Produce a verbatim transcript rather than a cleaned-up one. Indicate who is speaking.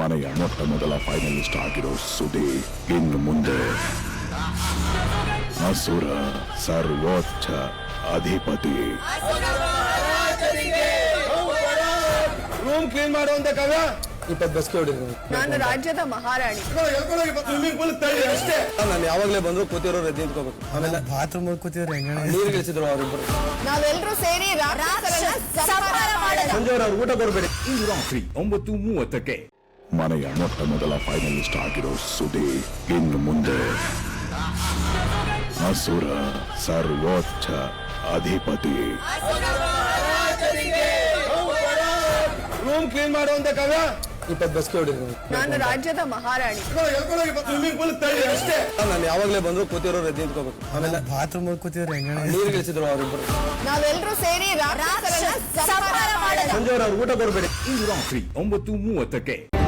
Speaker 1: ಮನೆಯ ಮೊಟ್ಟ ಮೊದಲ ಫೈನಲಿಸ್ಟ್ ಆಗಿರೋ ಸುದಿ ಇನ್ನು ಮುಂದೆ ಅಸುರ ಸರ್ವೋಚ್ಚ ಅಧಿಪತಿ.
Speaker 2: ರೂಮ್ ಕ್ಲೀನ್ ಮಾಡುವಂತ ಕಾವ್ಯ ಇಪ್ಪತ್ತು ಬಸ್ಗೆ ಹೊಡಿದ್ರು.
Speaker 3: ನಾನು ರಾಜ್ಯದ ಮಹಾರಾಣಿ.
Speaker 2: ಅಷ್ಟೇ ನಾನು ಯಾವಾಗ್ಲೇ ಬಂದ್ರು ಕೂತಿರೋ ಎದ್ದು ನಿಂತ್ಕೋಬೇಕು. ಆಮೇಲೆ
Speaker 4: ಬಾತ್ರೂಮ್ ಕೂತಿದ್ರು
Speaker 2: ನೀರು ಗಿಳಿಸಿದ್ರು ಅವರಿಬ್ಬರು.
Speaker 3: ನಾವೆಲ್ಲರೂ ಸೇರಿ
Speaker 2: ಸಂಜೆ ಅವ್ರ ಊಟ ಕೊಡಬೇಡಿ.
Speaker 1: ಇಂದು ರಾತ್ರಿ ಒಂಬತ್ತು ಮೂವತ್ತಕ್ಕೆ ಮನೆಯ ಮೊಟ್ಟ ಮೊದಲ ಫೈನಲಿಸ್ಟ್ ಆಗಿರೋ ಸುದಿ ಇನ್ನು ಮುಂದೆ ಅಸುರ ಸರ್ವೋಚ್ಚ ಅಧಿಪತಿ.
Speaker 2: ರೂಮ್ ಕ್ಲೀನ್ ಮಾಡುವಂತ ಕಾವ್ಯ ಇಪ್ಪತ್ತು ಬಸ್ಗೆ ಹೊಡಿದ್ರು.
Speaker 3: ನಾನು ರಾಜ್ಯದ ಮಹಾರಾಣಿ.
Speaker 2: ಅಷ್ಟೇ ನಾನು ಯಾವಾಗ್ಲೇ ಬಂದ್ರು ಕೂತಿರೋ ಎದ್ದು ನಿಂತ್ಕೋಬೇಕು. ಆಮೇಲೆ
Speaker 4: ಬಾತ್ರೂಮ್ ಕೂತಿದ್ರು
Speaker 2: ನೀರು ಗಿಳಿಸಿದ್ರು ಅವರಿಬ್ಬರು.
Speaker 3: ನಾವೆಲ್ಲರೂ ಸೇರಿ
Speaker 2: ಸಂಜೆ ಅವ್ರ ಊಟ ಕೊಡಬೇಡಿ.
Speaker 1: ಇಂದು ರಾತ್ರಿ ಒಂಬತ್ತು ಮೂವತ್ತಕ್ಕೆ